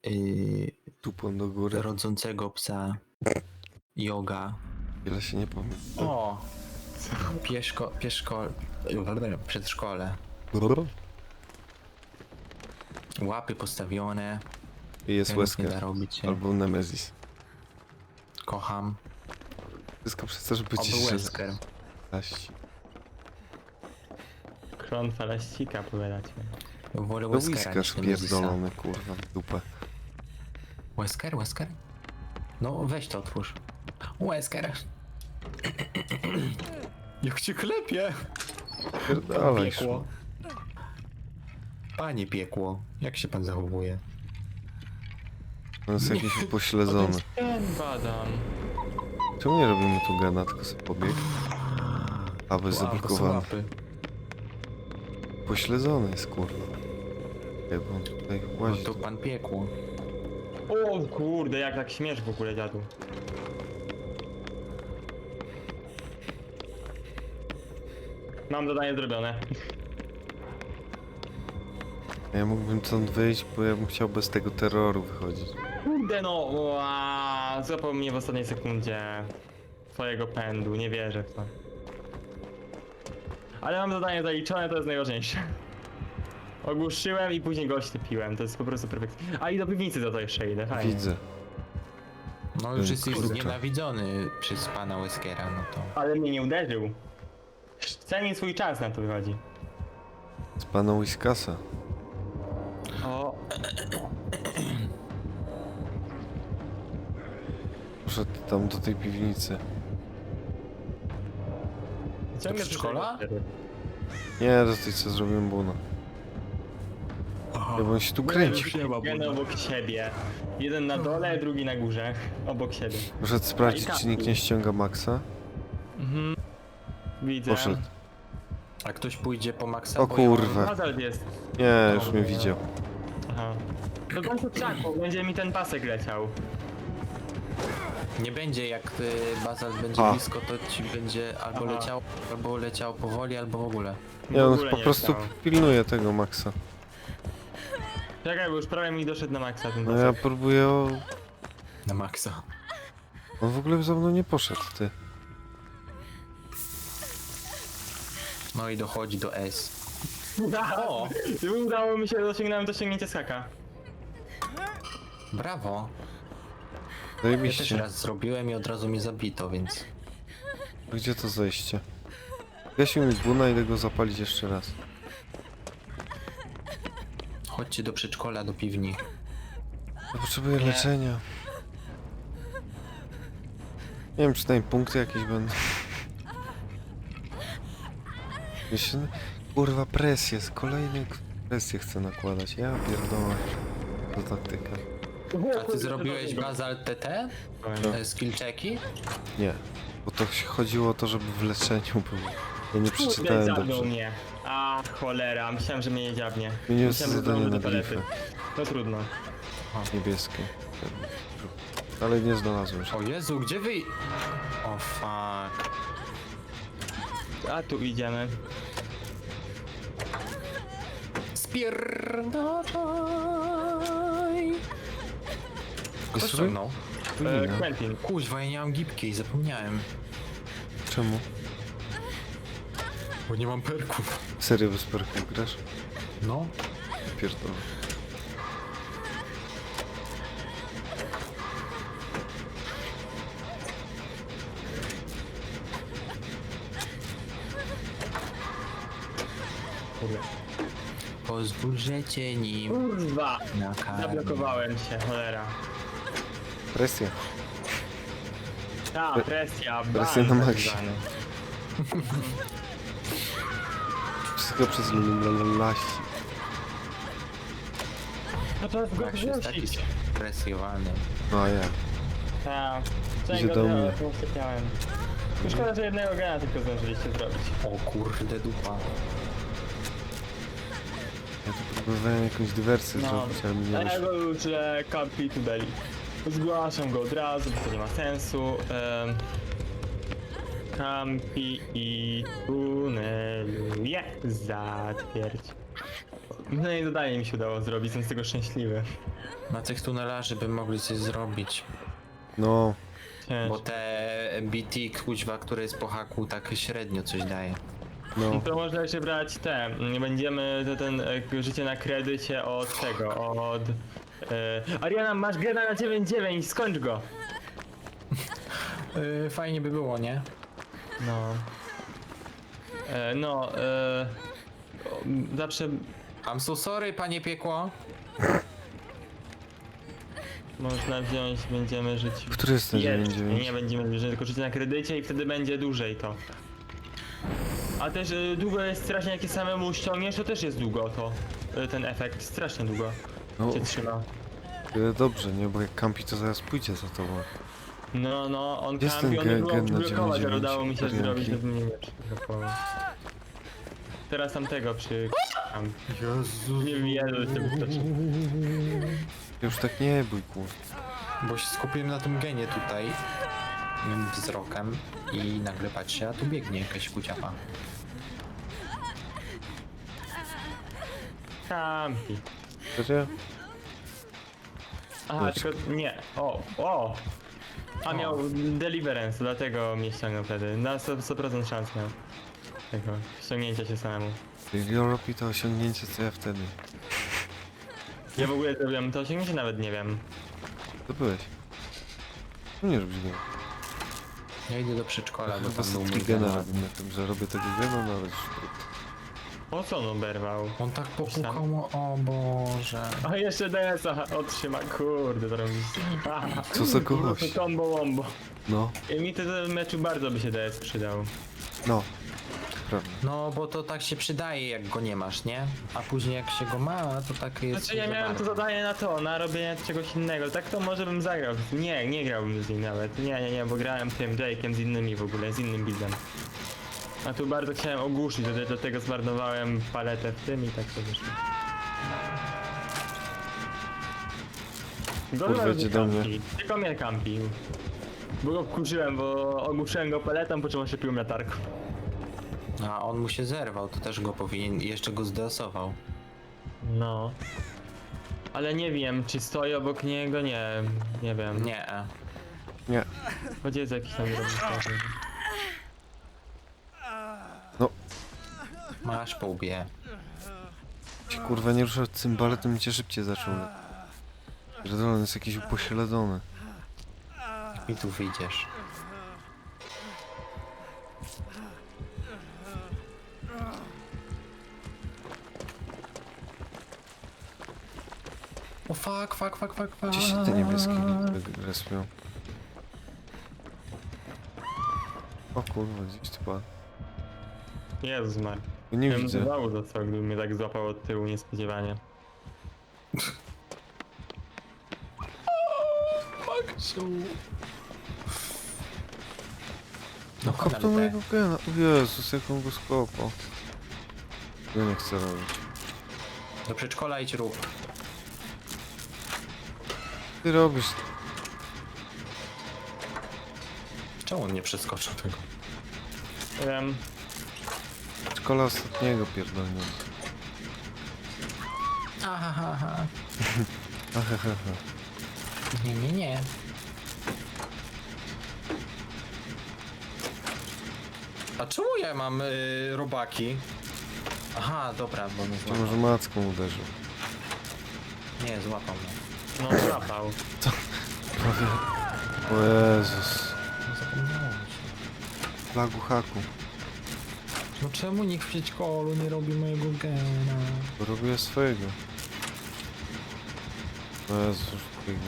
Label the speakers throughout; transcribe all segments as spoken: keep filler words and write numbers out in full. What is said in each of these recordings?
Speaker 1: Yy,
Speaker 2: Tupą do góry.
Speaker 1: rodzącego psa. Yoga.
Speaker 2: Ile się nie pamiętam.
Speaker 1: O! Pieszko, pieszko, przedszkole. Łapy postawione.
Speaker 2: I jest
Speaker 1: Tego nie da
Speaker 2: Wesker.
Speaker 1: robić się.
Speaker 2: Albo Nemesis.
Speaker 1: Kocham.
Speaker 2: Wszystko przez to, żeby ci
Speaker 1: Oby
Speaker 2: się
Speaker 1: Wesker.
Speaker 2: zaść.
Speaker 3: Kron falaścika powiadacie.
Speaker 1: Wolę
Speaker 2: No
Speaker 1: Weskera
Speaker 2: whiskarz
Speaker 1: niż Nemesisa.
Speaker 2: pierdolony, kurwa, w dupę.
Speaker 1: Wesker, Wesker? No weź to otwórz. Wesker. Jak cię klepie!
Speaker 2: Pierdalaj,
Speaker 1: Piekło. Panie piekło, jak się pan zachowuje?
Speaker 2: on jest jakiś upośledzony.
Speaker 3: Ten badam.
Speaker 2: Czemu nie robimy tu gena, tylko sobie pobieg? A, bo jest
Speaker 1: Wow, to są
Speaker 2: zablokowany.
Speaker 1: łapy.
Speaker 2: Pośledzony jest, kurwa. Jak on tutaj
Speaker 1: No
Speaker 2: łazi.
Speaker 1: to pan piekło.
Speaker 3: O kurde, jak tak śmiesz w ogóle, dziadu. Mam zadanie zrobione.
Speaker 2: Ja mógłbym stąd wyjść, bo ja bym chciał bez tego terroru wychodzić.
Speaker 3: Kurde no, ła, złapał mnie w ostatniej sekundzie twojego pędu, nie wierzę w to. Ale mam zadanie zaliczone, to jest najważniejsze. Ogłuszyłem i później go oślepiłem, to jest po prostu perfekt. A i do piwnicy za to jeszcze idę, fajnie.
Speaker 2: Widzę.
Speaker 1: No już jest
Speaker 2: Kurczę.
Speaker 1: nienawidzony przez pana Weskera, no to...
Speaker 3: Ale mnie nie uderzył. Cenię swój czas, na to wychodzi.
Speaker 2: Z pana Whiskasa.
Speaker 3: O,
Speaker 2: Poszedł tam do tej piwnicy.
Speaker 3: ciągle
Speaker 1: przedszkola?
Speaker 3: przyszedłem.
Speaker 2: Nie, do tej co zrobiłem buna. Ja bym się tu kręcił.
Speaker 3: Jeden obok siebie. Jeden na dole, drugi na górze. Obok siebie.
Speaker 2: Poszedł sprawdzić, czy nikt nie ściąga Maxa.
Speaker 3: Mhm. Widzę.
Speaker 2: Poszedł.
Speaker 1: A ktoś pójdzie po Maxa?
Speaker 2: O
Speaker 1: bo ja mam-
Speaker 2: kurwa.
Speaker 3: Hazard jest.
Speaker 2: Nie, już mnie widział.
Speaker 3: Aha. Do końca krzaku będzie mi ten pasek leciał.
Speaker 1: Nie będzie, jak y, Bazalt będzie
Speaker 2: A.
Speaker 1: blisko, to ci będzie albo
Speaker 3: Aha.
Speaker 1: leciał, albo leciał powoli, albo w ogóle.
Speaker 2: Nie,
Speaker 3: W
Speaker 2: on
Speaker 3: ogóle
Speaker 2: po
Speaker 3: nie
Speaker 2: prostu
Speaker 3: leciał.
Speaker 2: pilnuje tego Maxa.
Speaker 3: Czekaj, bo już prawie mi doszedł na maksa ten
Speaker 2: No
Speaker 3: pasek.
Speaker 2: ja próbuję o...
Speaker 1: Na Maxa.
Speaker 2: On w ogóle za mną nie poszedł, ty.
Speaker 1: No i dochodzi do S.
Speaker 3: O! Udało mi się, osiągnąłem dosięgnięcie skaka.
Speaker 1: Brawo. Ja też
Speaker 2: Zajebiście.
Speaker 1: raz zrobiłem i od razu mnie zabito, więc...
Speaker 2: Gdzie to zejście? Gasił mi buna, idę go zapalić jeszcze raz.
Speaker 1: Chodźcie do przedszkola, do piwni.
Speaker 2: Ja potrzebuję
Speaker 1: Nie.
Speaker 2: leczenia. Nie wiem, czy tam punkty jakieś będą. Jeszcze... Kurwa, presję, z kolejnej presję chcę nakładać. Ja pierdolę. To taktyka.
Speaker 1: A ty zrobiłeś Bazalt T T? E, Skill checki?
Speaker 2: Nie. Bo to się chodziło o to, żeby w leczeniu był. Ja nie
Speaker 3: Kurde,
Speaker 2: przeczytałem
Speaker 3: dziabnął
Speaker 2: dobrze.
Speaker 3: mnie. A cholera, myślałem, że mnie nie dziabnie.
Speaker 2: Zmieniłem
Speaker 3: Myślałem, że
Speaker 2: zadanie
Speaker 3: zdążę
Speaker 2: na
Speaker 3: do palety.
Speaker 2: glify.
Speaker 3: To trudno.
Speaker 2: Niebieskie. Ale nie znalazłem się.
Speaker 1: O Jezu, gdzie wy... O fuck.
Speaker 3: A tu idziemy.
Speaker 1: Spierdalaj. Kto
Speaker 2: Jest
Speaker 1: ściągnął?
Speaker 3: E,
Speaker 2: ruina.
Speaker 3: Quentin.
Speaker 1: Kuźwa, ja nie mam gipkiej, zapomniałem.
Speaker 2: Czemu?
Speaker 1: Bo nie mam perków.
Speaker 2: Serio bez perków grasz?
Speaker 1: No.
Speaker 2: Pierdolę.
Speaker 3: Kurde.
Speaker 1: Pozwól, że cię nim
Speaker 3: Kurwa!
Speaker 1: nakarmię.
Speaker 3: Zablokowałem się, cholera.
Speaker 2: Presja.
Speaker 3: Ta, presja,
Speaker 2: presja
Speaker 3: ban
Speaker 2: na
Speaker 3: tak
Speaker 2: maksie.
Speaker 3: zwany.
Speaker 2: Wszystko przez lasi.
Speaker 3: No to jest go
Speaker 1: Max jest taki
Speaker 3: zgłosić.
Speaker 1: stresowany.
Speaker 2: No a ja.
Speaker 3: Ta,
Speaker 2: Idzie do mnie.
Speaker 3: usypiałem. Szkoda, że jednego gena tylko zdążyliście zrobić.
Speaker 1: O kurde dupa.
Speaker 2: Ja tu próbowałem jakąś dywersję
Speaker 3: No,
Speaker 2: zrobić, ale mi nie
Speaker 3: a ja
Speaker 2: wyszło.
Speaker 3: go uczę Campi Tudeli. Zgłaszam go od razu, bo to nie ma sensu. Um, Campi i tuneluje. Zatwierdź. No i zadanie mi się udało zrobić, jestem z tego szczęśliwy.
Speaker 1: Na tych tunelarzy by mogli coś zrobić.
Speaker 2: No,
Speaker 1: Bo
Speaker 3: Ciężko.
Speaker 1: te B T, kuźwa, które jest po haku, tak średnio coś daje.
Speaker 2: no.
Speaker 3: To można jeszcze brać te, nie będziemy to ten e, życie na kredycie od tego, od... E, Ariana, masz grę na dziewięć dziewięć, skończ go!
Speaker 1: Yy, fajnie by było, nie?
Speaker 3: No. E, no, e, o, zawsze
Speaker 1: I'm so sorry, panie piekło.
Speaker 3: można wziąć, będziemy żyć...
Speaker 2: Który jest ten dziewięć
Speaker 3: Jeszcze,
Speaker 2: dziewięć?
Speaker 3: nie będziemy żyć, tylko żyć na kredycie i wtedy będzie dłużej to. A też y, długo jest strasznie, jak je samemu ściągniesz, to też jest długo to, y, ten efekt, strasznie długo
Speaker 2: No,
Speaker 3: cię trzyma.
Speaker 2: tyle dobrze, nie? Bo jak kampi, to zaraz pójdzie za tobą.
Speaker 3: No, no, on
Speaker 2: Jest
Speaker 3: kampi,
Speaker 2: ten
Speaker 3: on nie
Speaker 2: ge-
Speaker 3: było
Speaker 2: gen na
Speaker 3: blokować, ale
Speaker 2: dziewięć
Speaker 3: udało mi się
Speaker 2: dziewięć
Speaker 3: zrobić,
Speaker 2: Arianki.
Speaker 3: żeby mnie nie przyblokował. Teraz tamtego przy... Tam.
Speaker 1: Jezu.
Speaker 3: Nie wiem, że się wystarczy.
Speaker 2: Już tak nie bój, kur.
Speaker 1: Bo się skupiłem na tym genie tutaj. Mym wzrokiem. I nagle patrzę, a tu biegnie jakaś kuciapa.
Speaker 3: Kampi.
Speaker 2: Serio?
Speaker 3: Aha,
Speaker 2: Patrz.
Speaker 3: tylko nie. O, o! A miał deliverance, dlatego mnie ściągnął wtedy. Na sto procent szans miał. Tego, ściągnięcia się samemu.
Speaker 2: Jeśli on robi to osiągnięcie, co ja wtedy?
Speaker 3: Ja w ogóle zrobiłem to osiągnięcie, nawet nie wiem.
Speaker 2: To byłeś. No nie robisz go.
Speaker 1: Ja idę do przedszkola, bo
Speaker 2: Chyba
Speaker 1: tam był mój
Speaker 2: setki gena
Speaker 1: gen.
Speaker 2: robię na tym, że robię tego gena, no ale już...
Speaker 3: Po co on oberwał?
Speaker 1: On tak popukał, mu- o Boże.
Speaker 3: A jeszcze D S a otrzyma, kurde, to robi.
Speaker 2: Co za gość?
Speaker 3: Combo wombo.
Speaker 2: No,
Speaker 3: I mi to w meczu bardzo by się D S przydał.
Speaker 2: no. Prawda.
Speaker 1: No, bo to tak się przydaje, jak go nie masz, nie? A później jak się go ma, to tak jest...
Speaker 3: Znaczy ja
Speaker 1: za
Speaker 3: miałem to
Speaker 1: bardzo.
Speaker 3: zadanie na to, na robienie czegoś innego. Tak to może bym zagrał. Nie, nie grałbym z nim nawet. Nie, nie, nie, bo grałem tym Jake'em z innymi w ogóle, z innym buildem. A tu bardzo chciałem ogłuszyć, dlatego- dlatego zmarnowałem paletę w tym i tak to wyszło.
Speaker 2: Kurwa,
Speaker 3: Gorzej
Speaker 2: idzie do mnie.
Speaker 3: kampi. Tylko mnie kampił. Bo go wkurzyłem, bo ogłuszyłem go paletą, po czym oślepiłem latarką.
Speaker 1: A on mu się zerwał, to też go powinien... Jeszcze go zdeosował.
Speaker 3: No. Ale nie wiem, czy stoi obok niego, nie, nie wiem.
Speaker 1: Nie.
Speaker 2: Nie.
Speaker 3: Choć jest jakiś tam drobny.
Speaker 1: Masz po łbie.
Speaker 2: Się kurwa nie ruszał cymbale, to mi cię szybciej zaczął. Pierdolę, on jest jakiś upośledzony.
Speaker 1: I tu wyjdziesz. O fuck, fuck, fuck, fuck, fuck.
Speaker 2: Gdzie się te niebieskie respią? O kurwa, gdzieś tu padł.
Speaker 3: Jezus Mar.
Speaker 2: Nie
Speaker 3: Ja bym
Speaker 2: widzę.
Speaker 3: zwał za co, gdyby mnie tak złapał od tyłu niespodziewanie.
Speaker 1: No
Speaker 2: Kopnął mojego gena. O Jezus, jak on go skopał. Ja nie chcę robić.
Speaker 1: Do przedszkola idź rób.
Speaker 2: Ty robisz.
Speaker 1: Czemu on nie przeskoczył tego?
Speaker 3: Wiem.
Speaker 2: Szkola ostatniego pierdolnie.
Speaker 1: Aha, ha, ha.
Speaker 2: Ahehehe.
Speaker 1: Nie, nie, nie. A czemu ja mam y, robaki? Aha, dobra, bo mnie
Speaker 2: To
Speaker 1: złapał.
Speaker 2: może macką uderzył.
Speaker 1: Nie, złapał mnie.
Speaker 3: No złapał.
Speaker 2: Prawie. O Jezus.
Speaker 1: No zapomniałem się.
Speaker 2: Flagu haku.
Speaker 1: No czemu nikt w przedszkolu nie robi mojego gena?
Speaker 2: Bo robię swojego. O Jezus, już biegnie.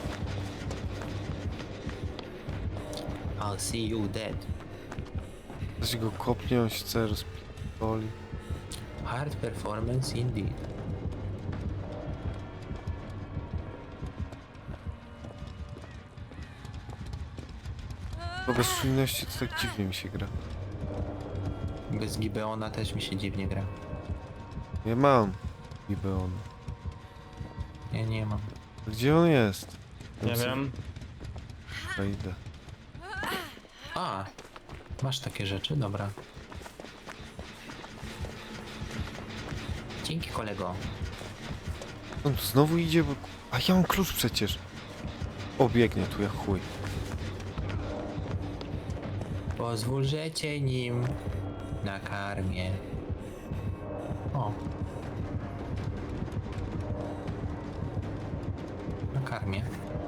Speaker 1: I'll see you dead.
Speaker 2: Ktoś go kopnie, on się chce rozpoli.
Speaker 1: Hard performance indeed.
Speaker 2: Bo bez czujności to tak dziwnie mi się gra.
Speaker 1: Bez Gibeona też mi się dziwnie gra.
Speaker 2: Ja mam Gibeon.
Speaker 1: Ja nie mam.
Speaker 2: Gdzie on jest?
Speaker 3: Nie
Speaker 2: co-
Speaker 3: wiem.
Speaker 2: Ja idę.
Speaker 1: A, masz takie rzeczy? Dobra. Dzięki kolego.
Speaker 2: On tu znowu idzie, bo... A ja mam klucz przecież. O, biegnie tu jak chuj.
Speaker 1: Pozwól, że cię nim nakarmię. O. Nakarmię.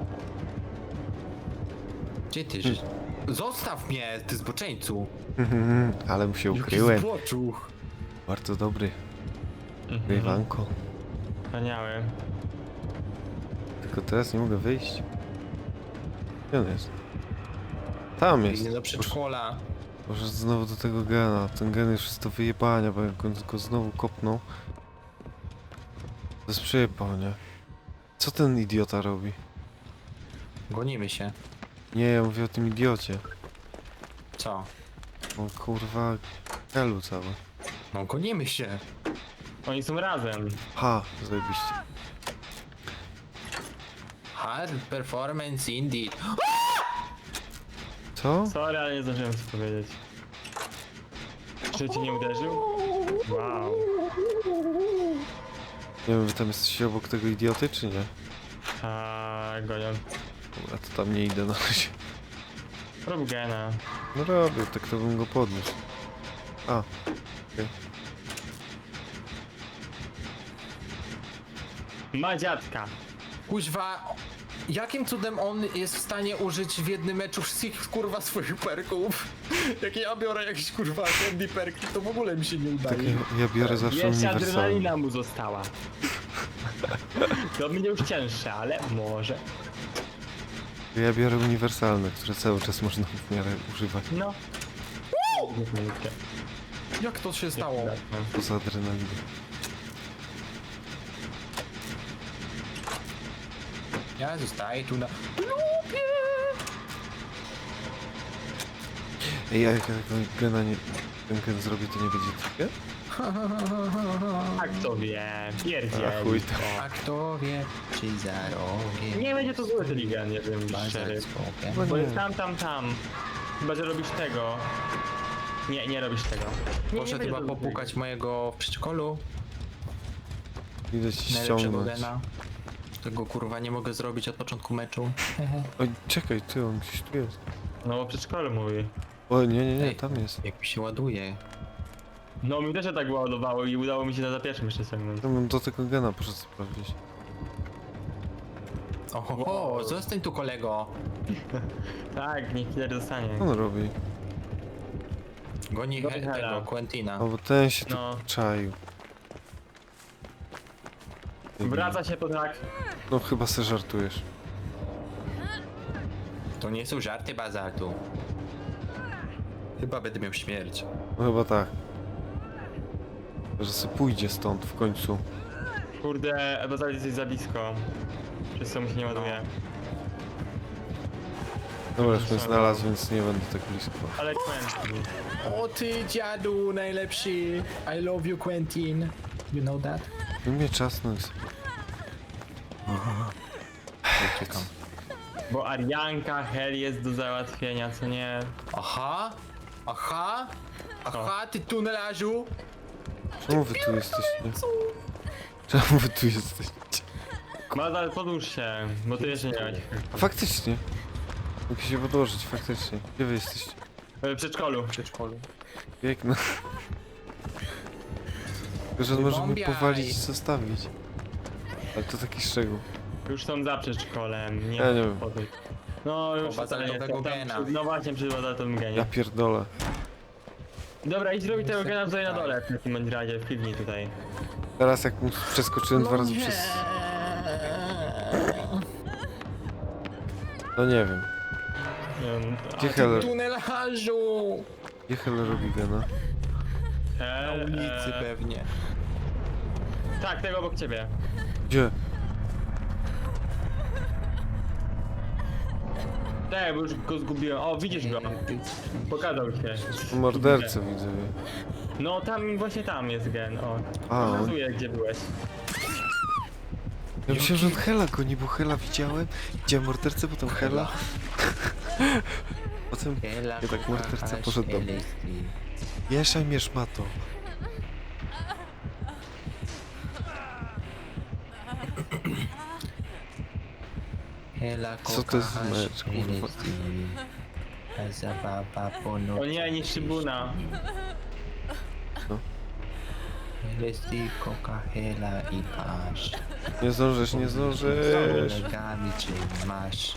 Speaker 1: Gdzie ty? Że... Zostaw mnie, ty zboczeńcu!
Speaker 2: Ale mu się
Speaker 1: Jaki
Speaker 2: ukryłem.
Speaker 1: zboczuch!
Speaker 2: Bardzo dobry.
Speaker 3: Mhm.
Speaker 2: Rywanko.
Speaker 3: Wspaniały.
Speaker 2: Tylko teraz nie mogę wyjść. Gdzie on jest? Tam jest.
Speaker 1: Idę do przedszkola.
Speaker 2: Może znowu do tego gena. Ten gen już jest do wyjebania, bo jak on go znowu kopnął. To jest przyjebał, nie? Co ten idiota robi?
Speaker 1: Gonimy się.
Speaker 2: Nie, ja mówię o tym idiocie.
Speaker 1: Co?
Speaker 2: On kurwa... Helu cały.
Speaker 1: No gonimy się.
Speaker 3: Oni są razem.
Speaker 2: Ha, zajebiście.
Speaker 1: Hard performance indeed.
Speaker 2: Co?
Speaker 3: Sorry, ale nie zdążyłem coś powiedzieć. Czy cię nie uderzył? Wow.
Speaker 2: Nie wiem, wy tam jesteście obok tego idioty, czy nie?
Speaker 3: A gonią.
Speaker 2: Dobra, to tam nie idę na razie.
Speaker 3: Rób gena.
Speaker 2: No robię, tak to bym go podniósł. A, okej.
Speaker 3: Ma dziadka.
Speaker 1: Kuźwa, jakim cudem on jest w stanie użyć w jednym meczu wszystkich kurwa swoich perków? Jak ja biorę jakieś kurwa candy perki, to w ogóle mi się nie
Speaker 2: Tak,
Speaker 1: udaje.
Speaker 2: ja, ja biorę zawsze
Speaker 3: Jeszcze
Speaker 2: uniwersalny.
Speaker 3: adrenalina mu została. To będzie już cięższe, ale może.
Speaker 2: Ja biorę uniwersalne, które cały czas można w miarę używać.
Speaker 3: No. Minutkę.
Speaker 1: Jak to się stało?
Speaker 2: Poza adrenaliną.
Speaker 1: Ja zostaję tu na...
Speaker 2: Ej, a jak ja tego gena nie... ten gen zrobię, to nie będzie trigger?
Speaker 3: A kto wie, pierdziel.
Speaker 2: A chuj tam.
Speaker 1: A kto wie, czy za rogiem...
Speaker 3: Nie będzie to zły Trigan, nie wiem,
Speaker 1: Bazar
Speaker 3: szczery.
Speaker 1: z bokiem.
Speaker 2: Chyba
Speaker 3: Bo
Speaker 2: nie.
Speaker 3: jest tam, tam, tam. Chyba, że robisz tego. Nie, nie robisz tego. Nie, nie
Speaker 1: Poszedł
Speaker 3: będzie
Speaker 1: chyba
Speaker 3: to zły
Speaker 1: popukać mojego w przedszkolu.
Speaker 2: Idę ci
Speaker 1: Najlepszego
Speaker 2: ściągnąć.
Speaker 1: gena. Tego kurwa nie mogę zrobić od początku meczu.
Speaker 2: Oj, czekaj, ty, on gdzieś tu jest.
Speaker 3: No bo przedszkolu mówi.
Speaker 2: O, nie, nie, nie,
Speaker 1: Ej.
Speaker 2: tam jest.
Speaker 1: Jak mi się ładuje.
Speaker 3: No mi też się tak ładowało i udało mi się na za pierwszym jeszcze ściągnąć.
Speaker 2: Ja bym do tego gena poszedł sprawdzić.
Speaker 1: Oho, zostań tu kolego.
Speaker 3: Tak, niech killer zostanie.
Speaker 2: Co on robi?
Speaker 1: Goni
Speaker 3: Goni
Speaker 1: he-
Speaker 3: Hela.
Speaker 1: tego Quentina.
Speaker 2: O, bo ten się tu
Speaker 3: No.
Speaker 2: czaił.
Speaker 3: Wraca się po tak.
Speaker 2: No chyba se żartujesz.
Speaker 1: To nie są żarty bazaltu. Chyba będę miał śmierć.
Speaker 2: No chyba tak. Że se pójdzie stąd w końcu.
Speaker 3: Kurde, Bazal jesteś za blisko. Przez co mu się nie ładuje.
Speaker 2: Dobra, już mnie znalazł, więc nie będę tak blisko.
Speaker 3: Ale Quentin.
Speaker 1: O ty dziadu najlepszy. I love you Quentin. You know that?
Speaker 2: No mnie czasnąć.
Speaker 1: Uciekam.
Speaker 3: Bo Arianka, Hel jest do załatwienia, co nie?
Speaker 1: Aha, aha, aha, ty tunelarzu.
Speaker 2: Czemu wy tu jesteście? Czemu wy tu jesteście?
Speaker 3: Bazal, podłóż się, bo ty jeszcze nie miałeś.
Speaker 2: Faktycznie. Mogę się podłożyć, faktycznie. Gdzie wy jesteście?
Speaker 3: W przedszkolu.
Speaker 1: W przedszkolu.
Speaker 2: Piękno. Tylko, że on może mnie
Speaker 1: Wybombiaj.
Speaker 2: powalić i zostawić. Ale to taki szczegół.
Speaker 3: Już są za przedszkolem, nie
Speaker 2: Ja nie wiem.
Speaker 3: podejść. No już
Speaker 1: O,
Speaker 3: wcale nie
Speaker 1: bazaltowego
Speaker 3: jestem tam
Speaker 1: gena.
Speaker 3: przy- No właśnie przy bazaltowym
Speaker 2: Ja
Speaker 3: genie.
Speaker 2: pierdolę.
Speaker 3: Dobra, idź robić tego gena tutaj na
Speaker 1: Tak.
Speaker 3: dole, w takim bądź razie, w piwni tutaj.
Speaker 2: Teraz jak mu przeskoczyłem dwa razy przez... No nie wiem.
Speaker 3: Nie wiem, a
Speaker 2: Gdzie
Speaker 3: ty-
Speaker 2: Heller?
Speaker 1: Tunelarzu.
Speaker 2: Gdzie Heller robi gena?
Speaker 3: e,
Speaker 1: Na ulicy
Speaker 3: e,
Speaker 1: pewnie.
Speaker 3: Tak, tego obok ciebie.
Speaker 2: Gdzie?
Speaker 3: Tak, bo już go zgubiłem. O, widzisz go. Pokazał się.
Speaker 2: Mordercę widzę.
Speaker 3: No tam, właśnie tam jest gen, o.
Speaker 2: A, on...
Speaker 3: Pokazuję, gdzie byłeś.
Speaker 2: Ja myślałem, że on Hela goni, bo Hela widziałem. Widziałem mordercę, potem Hela. Potem...
Speaker 1: Hela,
Speaker 2: tak morderca
Speaker 1: kochasz
Speaker 2: poszedł do mnie.
Speaker 1: Helestri.
Speaker 2: Mieszaj mnie szmato.
Speaker 1: hela,
Speaker 2: Co to jest za mecz, kurwa?
Speaker 1: Zabawa po
Speaker 3: O
Speaker 1: nocy.
Speaker 3: nie, nie szybuna.
Speaker 1: Lesti, koka, hela i pasz.
Speaker 2: Nie zdążysz, nie zdążysz.
Speaker 1: Kolegami czy masz?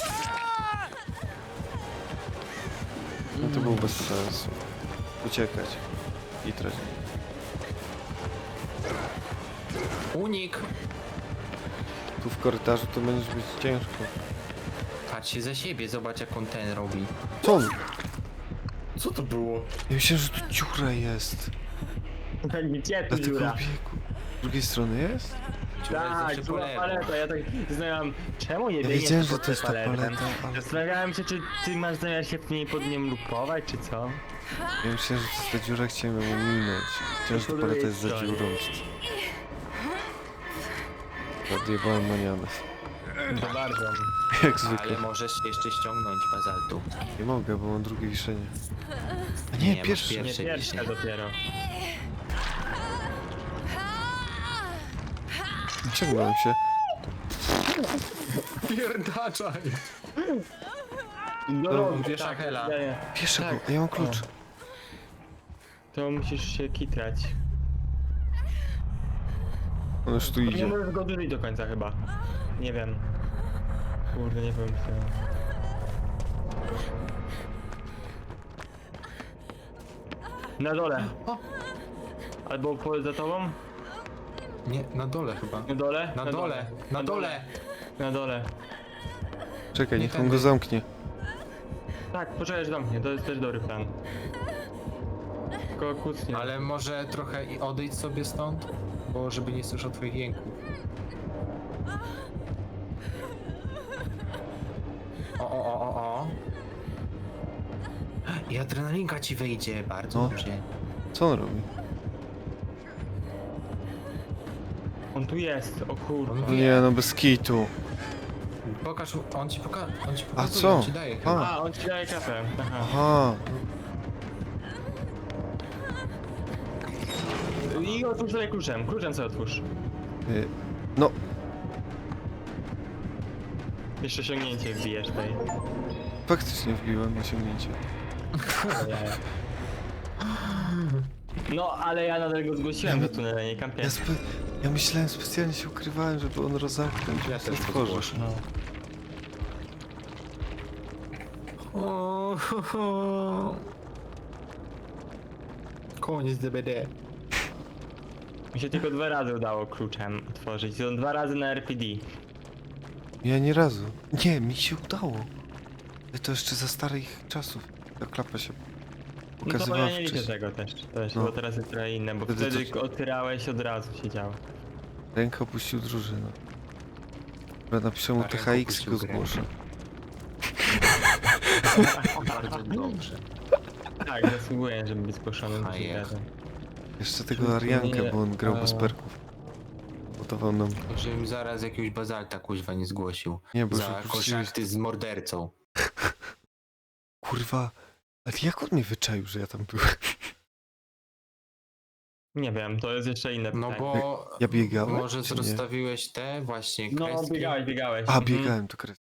Speaker 2: No to było bez sensu. Uciekać. I tracić.
Speaker 1: Unik!
Speaker 2: Tu w korytarzu to będziesz być ciężko.
Speaker 1: Patrz się za siebie, zobacz jak on ten robi.
Speaker 2: Co on?
Speaker 1: Co to było?
Speaker 2: Ja myślałem, że tu dziura jest.
Speaker 3: Gdzie tu
Speaker 2: Dlatego
Speaker 3: dziura?
Speaker 2: biegu. Z drugiej strony jest?
Speaker 3: Tak, była paleta, ja tak zastanawiam, czemu nie
Speaker 2: Ja
Speaker 3: biegniesz
Speaker 2: wiedziałem, że
Speaker 3: pod
Speaker 2: to
Speaker 3: tę
Speaker 2: jest ta
Speaker 3: paletę?
Speaker 2: paleta, ale...
Speaker 3: Zastanawiałem się, czy ty masz zamiar się w niej pod nią lupować, czy co?
Speaker 2: Ja myślałem, że to jest ta dziura, chciałem ją ominąć. Chciałem, że ta paleta jest za dziurą. Odjebałem manianę.
Speaker 3: To bardzo.
Speaker 2: Jak zwykle.
Speaker 1: Ale możesz jeszcze ściągnąć bazaltu.
Speaker 2: Nie mogę, bo mam drugie wiszenie. A
Speaker 1: Nie,
Speaker 2: nie,
Speaker 1: masz
Speaker 2: pierwsze.
Speaker 3: Nie
Speaker 1: Pierwsze
Speaker 3: pierwsza
Speaker 1: dzisiaj.
Speaker 3: dopiero.
Speaker 2: Ciągnąłem się.
Speaker 1: Pierdaczaj!
Speaker 3: No,
Speaker 1: No,
Speaker 3: no,
Speaker 1: wiesz,
Speaker 3: tak,
Speaker 1: Hela.
Speaker 3: ja, ja.
Speaker 2: Bierze
Speaker 3: Tak.
Speaker 2: go, ja mam klucz.
Speaker 3: To musisz się kitrać.
Speaker 2: On już tu
Speaker 3: Nie
Speaker 2: idzie.
Speaker 3: możesz go dłużyć do końca chyba. Nie wiem. Kurde, nie powiem co. Na dole.
Speaker 1: O!
Speaker 3: Albo po, za tobą?
Speaker 1: Nie, na dole chyba.
Speaker 3: Na dole?
Speaker 1: Na dole, na dole!
Speaker 3: Na dole.
Speaker 2: Czekaj,
Speaker 1: Nie
Speaker 2: niech on
Speaker 1: tędy.
Speaker 2: go zamknie.
Speaker 3: Tak, poczekaj aż do mnie, to jest też dobry plan. Tylko kucnie.
Speaker 1: Ale może trochę i odejdź sobie stąd? Bo żeby nie słyszał twoich jęków. O, o, o, o, o. I adrenalinka ci wejdzie, bardzo
Speaker 2: No.
Speaker 1: dobrze.
Speaker 2: Co on robi?
Speaker 3: On tu jest, o kurde.
Speaker 1: On
Speaker 2: O nie, no bez kitu.
Speaker 1: Pokaż, mu- on ci poka on ci
Speaker 2: A
Speaker 1: pokazuje,
Speaker 2: co?
Speaker 1: on ci daje chyba.
Speaker 2: A,
Speaker 3: A, on ci daje kafę. Aha.
Speaker 2: aha.
Speaker 3: I otwórz sobie kluczem, kluczem sobie otwórz.
Speaker 2: Y, No,
Speaker 3: Jeszcze osiągnięcie wbijesz tutaj.
Speaker 2: faktycznie wbiłem osiągnięcie.
Speaker 3: No, ale ja nadal go zgłosiłem do tunela, nie kampię.
Speaker 2: Ja, spe... ja myślałem, specjalnie się ukrywałem, żeby on rozamknął.
Speaker 1: Ja też
Speaker 2: otworzył.
Speaker 1: pozgłoszę.
Speaker 3: No.
Speaker 1: O, ho, ho. Koniec D B D.
Speaker 3: Mi się tylko dwa razy udało kluczem otworzyć. Są dwa razy na R P D.
Speaker 2: Ja nie razu. Nie, mi się udało. Ale to jeszcze za starych czasów. Ta klapa się
Speaker 3: No to
Speaker 2: pokazywała
Speaker 3: ja nie liczę
Speaker 2: wcześniej.
Speaker 3: tego też, też
Speaker 2: No.
Speaker 3: bo teraz jest trochę inne, bo
Speaker 2: Wtedy
Speaker 3: wtedy
Speaker 2: to-
Speaker 3: otwierałeś od razu się działo.
Speaker 2: Ręka opuścił drużynę. Dobra, napiszę mu
Speaker 1: A,
Speaker 2: T
Speaker 1: ręka
Speaker 2: H X i
Speaker 1: opuścił
Speaker 2: go
Speaker 1: grę.
Speaker 2: zgłoszę.
Speaker 1: Bardzo dobrze.
Speaker 3: Tak, zasługuję, żeby być zgłoszonym do
Speaker 1: A,
Speaker 3: tej
Speaker 1: jest.
Speaker 3: gry.
Speaker 2: Jeszcze tego Ariankę, bo on grał bez
Speaker 1: a-
Speaker 2: perków. Gotował nam.
Speaker 1: Żebym zaraz jakiegoś bazalta kuźwa nie zgłosił.
Speaker 2: Nie, bo
Speaker 1: Za
Speaker 2: już
Speaker 1: kontakty z mordercą.
Speaker 2: Kurwa. Ale jak on mnie wyczaił, że ja tam byłem?
Speaker 3: Nie wiem, to jest jeszcze inne
Speaker 1: No
Speaker 3: pytanie.
Speaker 1: bo
Speaker 2: Ja biegałem,
Speaker 1: może
Speaker 2: czy nie?
Speaker 1: rozstawiłeś te właśnie
Speaker 3: No,
Speaker 1: kreski.
Speaker 3: biegałeś, biegałeś.
Speaker 2: A,
Speaker 3: Mhm.
Speaker 2: biegałem, to kres.